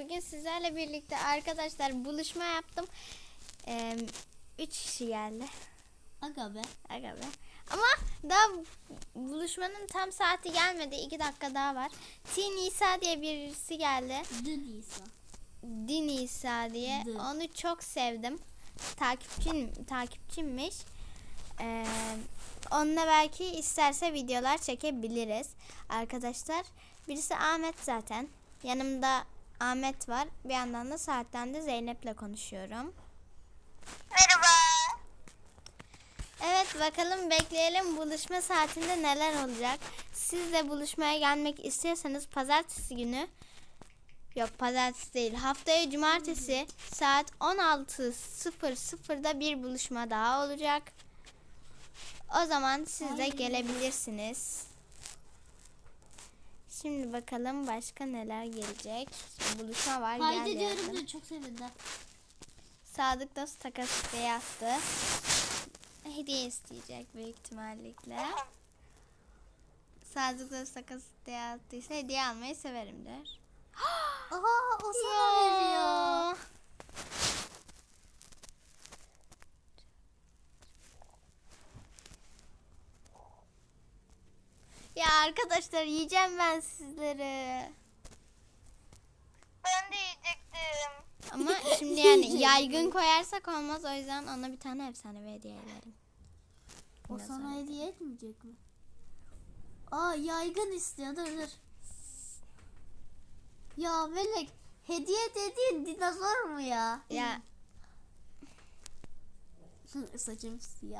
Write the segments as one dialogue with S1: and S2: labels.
S1: Bugün sizlerle birlikte arkadaşlar buluşma yaptım. 3 kişi geldi.
S2: Aga be.
S1: Aga be. Ama daha buluşmanın tam saati gelmedi. 2 dakika daha var. Nisa diye birisi geldi.
S2: Nisa.
S1: Nisa diye. Onu çok sevdim. Takipçimmiş. Onunla belki isterse videolar çekebiliriz. Arkadaşlar birisi Ahmet zaten. Yanımda Ahmet var. Bir yandan da saatten de Zeynep'le konuşuyorum.
S3: Merhaba.
S1: Evet, bakalım bekleyelim buluşma saatinde neler olacak. Siz de buluşmaya gelmek istiyorsanız pazartesi günü, yok pazartesi değil, haftaya cumartesi saat 16.00'da bir buluşma daha olacak. O zaman siz de gelebilirsiniz. Şimdi bakalım başka neler gelecek. Şimdi buluşma var.
S2: Haydi diyorum da çok sevindim.
S1: Sadık Dost takas isteği attı. Hediye isteyecek büyük ihtimalle. Sadık Dost takas isteği attıysa hediye almayı severim der.
S2: Aha, o sana veriyor.
S1: Ya arkadaşlar, yiyeceğim ben sizleri.
S3: Ben de yiyecektim.
S1: Ama şimdi yani yaygın koyarsak olmaz, o yüzden ona bir tane efsanevi hediye ederim.
S2: O sana hediye etmeyecek mi? Aa, yaygın istiyor, dur. Ya Melek, hediye dediğin dinozor mu ya?
S1: Ya
S2: Saçım siyah.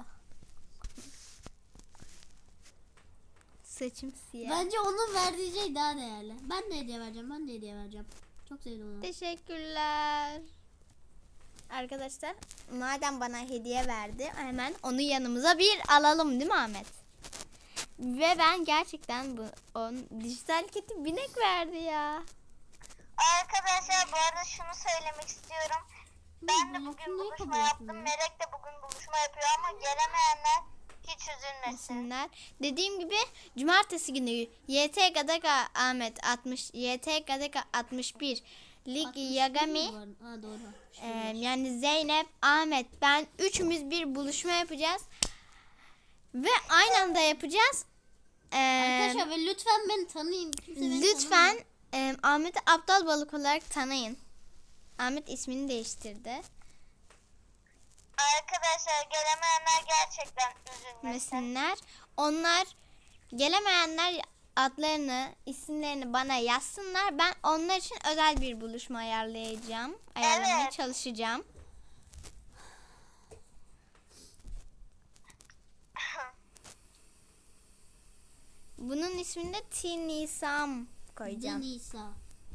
S1: saçım siyah.
S2: Bence onun verdiği şey daha değerli. Ben de hediye vereceğim. Çok sevdim onu.
S1: Teşekkürler. Arkadaşlar, madem bana hediye verdi, hemen onu yanımıza bir alalım, değil mi Ahmet? Ve ben gerçekten dijital kedi binek verdi ya.
S3: Arkadaşlar bu arada şunu söylemek istiyorum. Ben de bugün buluşma yaptım. Melek de bugün buluşma yapıyor ama gelemeyenler hiç üzülmesin.
S1: Dediğim gibi cumartesi günü YT Gadaka Ahmet 60, YT Gadaka 61, Lig Yagami,
S2: doğru.
S1: yani Zeynep, Ahmet, ben üçümüz bir buluşma yapacağız. Ve aynı anda yapacağız.
S2: Arkadaşlar ve lütfen beni tanıyın.
S1: Lütfen Ahmet'i aptal balık olarak tanıyın. Ahmet ismini değiştirdi.
S3: Arkadaşlar gelemeyenler gerçekten üzülmesin.
S1: Mesinler. Onlar, gelemeyenler adlarını, isimlerini bana yazsınlar. Ben onlar için özel bir buluşma ayarlamaya çalışacağım. Bunun ismini de Nisam koyacağım.
S2: Nisa.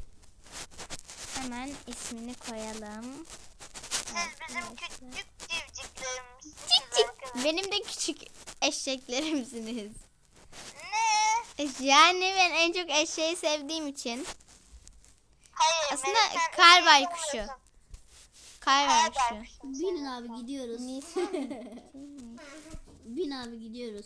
S1: Hemen ismini koyalım.
S3: Siz bizim küçük civciklerimizsiniz
S1: Cik.
S3: arkadaşlar.
S1: Benim de küçük eşeklerimsiniz.
S3: Ne?
S1: Yani ben en çok eşeği sevdiğim için.
S3: Hayır.
S1: Aslında
S3: Melek, sen
S1: kar
S3: eşek
S1: baykuşu.
S3: olmuyorsun.
S1: Kar baykuşu.
S3: baykuşu.
S2: Binin abi gidiyoruz. Bin abi gidiyoruz.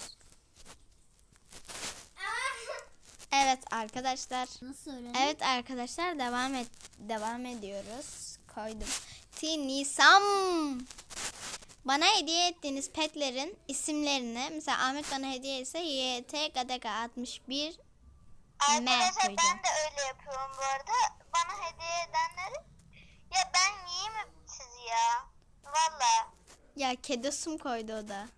S1: Evet arkadaşlar.
S2: Nasıl öğrendin?
S1: Evet arkadaşlar, devam ediyoruz. Koydum. Nisam. Bana hediye ettiğiniz petlerin isimlerini, mesela Ahmet bana hediye etse YT Gadaka 61
S3: Arkadaşlar
S1: koyacağım.
S3: ben de öyle yapıyorum bu arada. Bana hediye edenleri, ya ben yiyeyim mi sizi ya? Valla.
S1: Ya kedosum koydu o da.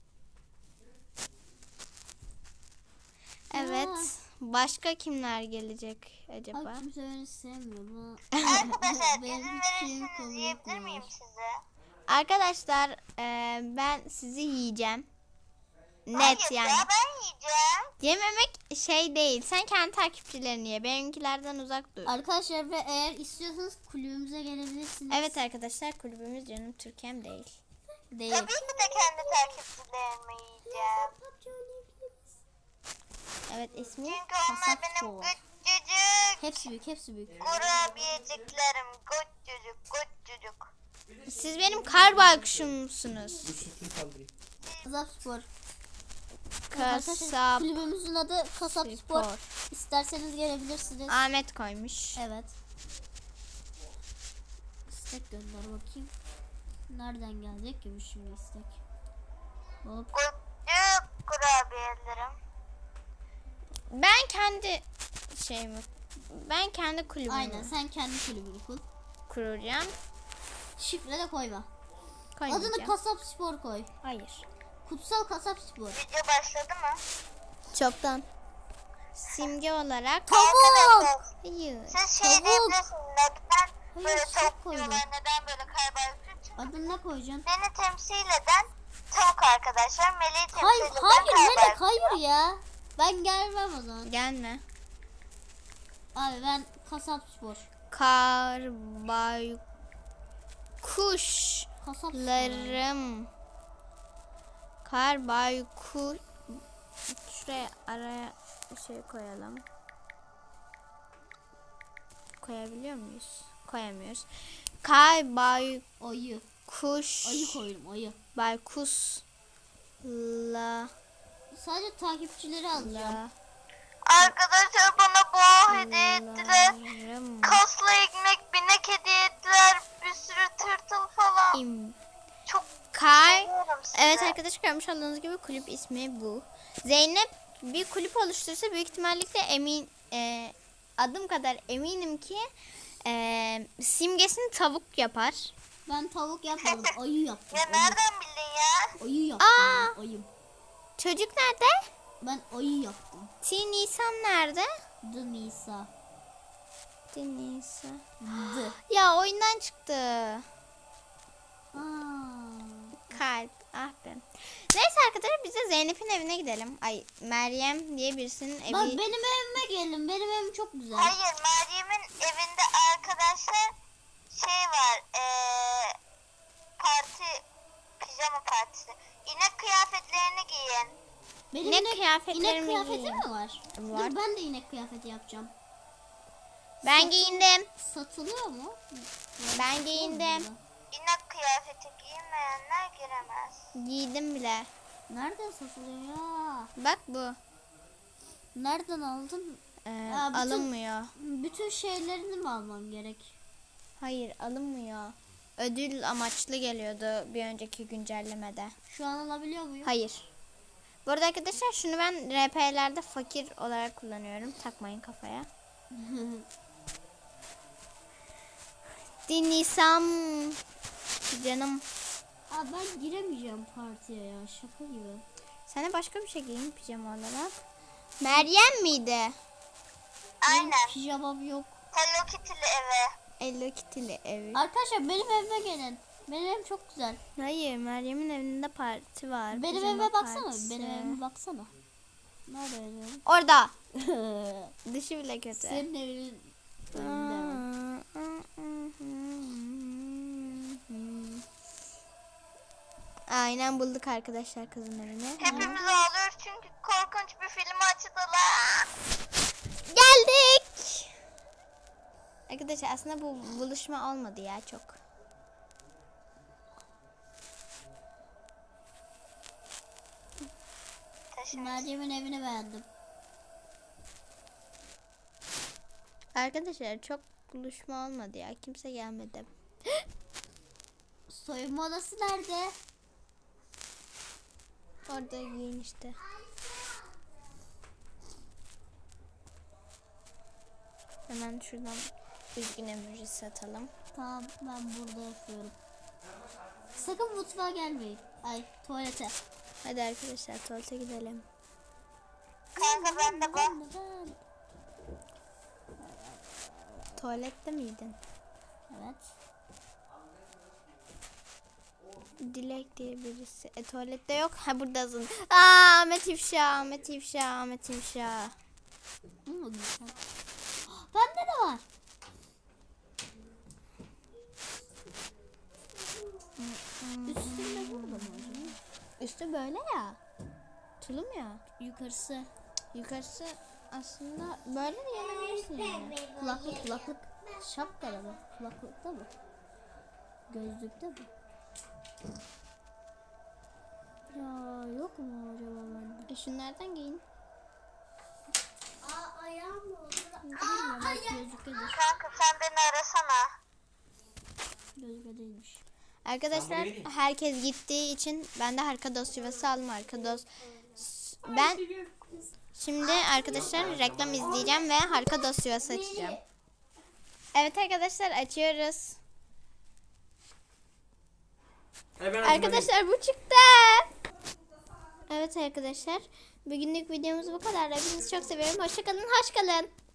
S1: Evet. Başka kimler gelecek acaba?
S2: Abi kimse beni sevmiyor.
S3: Arkadaşlar
S2: Benim
S3: izin
S2: şeyimi
S3: verirseniz
S2: kabul
S3: yiyebilir
S2: etmiyorlar.
S3: miyim size?
S1: Arkadaşlar ben sizi yiyeceğim. Net
S3: Hayır
S1: yani.
S3: ya, ben yiyeceğim.
S1: Yememek şey değil. Sen kendi takipçilerini ye. Benimkilerden uzak dur.
S2: Arkadaşlar ve eğer istiyorsanız kulübümüze gelebilirsiniz.
S1: Evet arkadaşlar, kulübümüz Canım Türkiye'm değil. Değil.
S3: Tabii ki de kendi takipçilerimi yiyeceğim.
S1: Evet, ismi
S3: Çünkü onlar
S2: Kasap
S3: benim
S2: Spor.
S3: küçücük
S2: Hepsi büyük.
S3: kurabiyeciklerim. Küçücük.
S1: Siz benim kar baykuşumsunuz.
S2: Kasap Spor.
S1: Kasap
S2: Kulübümüzün adı Kasap Spor.
S1: Spor.
S2: İsterseniz gelebilirsiniz.
S1: Ahmet koymuş.
S2: Evet. istek gönder bakayım. Nereden gelecek ki bu şimdi istek? Hop.
S3: Gülcük kurabiyelerim.
S1: Ben kendi kulübümü
S2: Aynen, sen kendi kulübünü kur.
S1: kuracağım.
S2: Şifre de koyma.
S1: Koymayacağım.
S2: Adını Kasap Spor koy.
S1: Hayır.
S2: Kutsal Kasap Spor.
S3: Video başladı mı?
S1: Çoktan. Simge olarak.
S2: Tavuk.
S1: Hayır.
S3: Siz şey
S2: Tavuk.
S3: diyebilirsiniz. Neden
S2: Hayır,
S3: böyle
S2: süt
S3: tavuk
S2: koydum.
S3: diyorlar? Neden böyle kaybediyor? Çünkü
S2: Adını ne koyacaksın?
S3: beni temsil eden tavuk arkadaşlar. Meleği temsil
S2: Hayır,
S3: eden
S2: hayır Melek,
S3: kaybediyor.
S2: hayır ya. Ben gelmem o zaman.
S1: Gelme.
S2: Abi ben Kasap Spor.
S1: Kar
S2: Kasap Spor.
S1: baykuş. Şuraya araya bir şey koyalım. Koyabiliyor muyuz? Koyamıyoruz.
S2: Ayı.
S1: Baykuş.
S2: Ayı koydum, ayı.
S1: Baykusla.
S2: Sadece takipçileri alacağım.
S3: Arkadaşlar bana boğa hediye ettiler.
S1: Larım.
S3: Kaslı ekmek, binek hediye ettiler. Bir sürü tırtıl falan. Çok seviyorum sizi.
S1: Evet arkadaşlar, görmüş olduğunuz gibi kulüp ismi bu. Zeynep bir kulüp oluşturursa büyük ihtimalle adım kadar eminim ki simgesini tavuk yapar.
S2: Ben tavuk yapmadım, ayı yaptım.
S3: Ya nereden bildin ya?
S2: Ayı yaptım.
S1: Aa!
S2: Ben, ayım.
S1: Çocuk nerede?
S2: Ben ayı yaptım.
S1: Nisan nerede?
S2: The Nisa.
S1: Nisan.
S2: The.
S1: Ya oyundan çıktı.
S2: Aa.
S1: Kalp. Ah be. Neyse arkadaşlar, biz de Zeynep'in evine gidelim. Ay, Meryem diye birisinin evi.
S2: Bak benim evime gelin. Benim evim çok güzel.
S3: Hayır, Meryem'in evinde arkadaşlar şey var. Pijama partisi. İnek kıyafetlerini giyin.
S2: Benim
S1: İnek kıyafetlerimi
S2: inek kıyafeti
S1: giyeyim.
S2: mi var?
S1: Var.
S2: Dur ben de inek kıyafeti yapacağım.
S1: Ben giyindim.
S2: Satılıyor mu?
S1: Ben giyindim.
S3: İnek kıyafeti giyinmeyenler giremez.
S1: Giydim bile.
S2: Nereden satılıyor ya?
S1: Bak bu.
S2: Nereden aldın? Aa,
S1: Alınmıyor.
S2: Bütün şeylerini mi almam gerek?
S1: Hayır, alınmıyor. Ödül amaçlı geliyordu bir önceki güncellemede.
S2: Şu an alabiliyor muyum?
S1: Hayır. Bu arada arkadaşlar, şunu ben RP'lerde fakir olarak kullanıyorum. Takmayın kafaya. Dinliysem canım.
S2: Aa, ben giremeyeceğim partiye ya. Şaka gibi.
S1: Sen de başka bir şey giyin pijama olarak. Meryem miydi?
S3: Aynen.
S2: Pijamam yok.
S3: Hello Kitty'li eve.
S1: Hello Kitty'li evi.
S2: Arkadaşlar benim evime gelin. Benim evim çok güzel.
S1: Hayır, Meryem'in evinde parti var.
S2: Benim
S1: pijama
S2: evime baksana.
S1: partisi.
S2: Benim evime baksana. Nerede yazıyorum?
S1: Orada. Dışı bile kötü.
S2: Senin evinin önünde mi?
S1: Aynen, bulduk arkadaşlar kızın evini.
S3: Hepimiz ağlıyoruz çünkü korkunç bir film açtılar.
S1: Geldik. Arkadaşlar aslında bu buluşma olmadı ya çok.
S2: Meryem'in evini beğendim.
S1: Arkadaşlar çok buluşma olmadı ya. Kimse gelmedi.
S2: Soyunma odası nerede?
S1: Orada giyin işte. Hemen şuradan üzgün emojisi atalım.
S2: Tamam, ben burada yapıyorum. Sakın mutfağa gelmeyin. Ay, tuvalete.
S1: Hadi arkadaşlar, tuvalete gidelim.
S3: Kanka ben de bak.
S1: Tuvalette miydin?
S2: Evet.
S1: Dilek diye birisi. Tuvalette yok. Ha, buradasın. Aa, Ahmet İfşa, Ahmet İfşa, Ahmet İfşa.
S2: Bende de var. Üstünde burada mı acaba?
S1: Üstü böyle ya. Tulum ya.
S2: Yukarısı.
S1: Yukarısı aslında böyle de yanabilirsin yani.
S2: Kulaklık. Şapkada mı? Kulaklıkta mı? Gözlükte mi? Ya yok mu acaba bende?
S1: Şunlardan giyin.
S2: Bilmiyorum, belki gözlüktedir.
S3: Kanka sen beni arasana.
S2: Özge değilmiş.
S1: Arkadaşlar herkes gittiği için ben de harika dost yuvası aldım. Harika dost. Ben şimdi arkadaşlar reklam izleyeceğim ve harika dost yuvası açacağım. Evet arkadaşlar açıyoruz. Arkadaşlar bu çıktı. Evet arkadaşlar. Bugünlük videomuz bu kadar. Hepinizi çok seviyorum. Hoşça kalın. Hoş kalın.